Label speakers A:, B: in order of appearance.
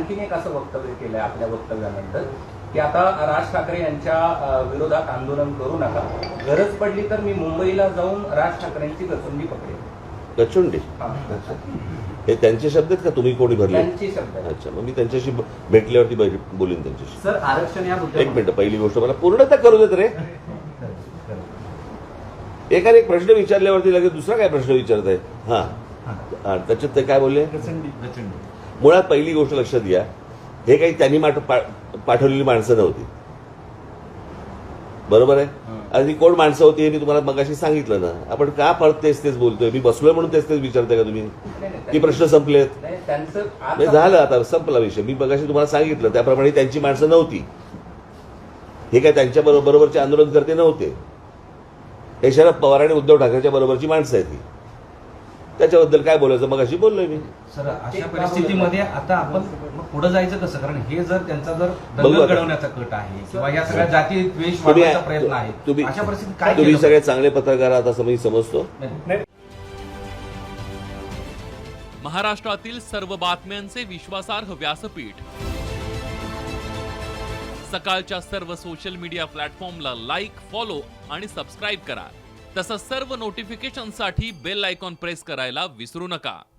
A: आणखीन एक असं वक्तव्य केलंय आपल्या वक्तव्यानंतर की आता राज ठाकरे यांच्या विरोधात आंदोलन करू नका, गरज पडली तर मी मुंबईला जाऊन राज ठाकरेंची गचुंडी पकडेल.
B: गचुंडी? हे त्यांचे शब्द आहेत का तुम्ही कोणी भरले?
A: त्यांचे शब्द.
B: अच्छा, मग मी त्यांच्याशी भेटल्यावरती बोलीन त्यांच्याशी.
C: सर आरक्षण या मुद्द्यावर
B: एक मिनिट, पहिली गोष्ट मला पूर्णतः करू देत रे. एकाने एक प्रश्न विचारल्यावरती लगेच दुसरा काय प्रश्न विचारत आहे. हा, त्याच्यात ते काय बोलले? मुळात पहिली गोष्ट लक्षात घ्या, हे काही त्यांनी पाठवलेली माणसं नव्हती. बरोबर आहे? आणि कोण माणसं होती हे मी तुम्हाला मगाशी सांगितलं ना. आपण का परत तेच बोलतोय? मी बसलोय म्हणून तेच विचारताय का तुम्ही की प्रश्न संपलेत? झालं, आता संपला विषय. मी मगाशी तुम्हाला सांगितलं त्याप्रमाणे त्यांची माणसं नव्हती. हे काय त्यांच्या बरोबरचे आंदोलन करते नव्हते. हे शरद पवार आणि उद्धव ठाकरेच्या बरोबरची माणसं आहेत ही. त्याच्याबद्दल काय बोलायचं मगाशी बोललोय मी.
C: सर अशा परिस्थितीमध्ये आता आपण पुढे जायचं कसं? कारण हे जर त्यांचा जर दंगल घडवण्याचा कट आहे किंवा या सगळ्या जाती द्वेष वाढवण्याचा प्रयत्न आहे, अशा परिस्थितीत काय केलं?
B: तुम्ही सगळे चांगले पत्रकार आहात असं मी समजतो.
D: महाराष्ट्रातील सर्व बातम्यांचे विश्वासार्ह व्यासपीठ, सकाळच्या सर्व सोशल मीडिया प्लॅटफॉर्मला लाईक, फॉलो आणि सबस्क्राईब करा. तसंच सर्व नोटिफिकेशनसाठी बेल आयकॉन प्रेस करायला विसरू नका.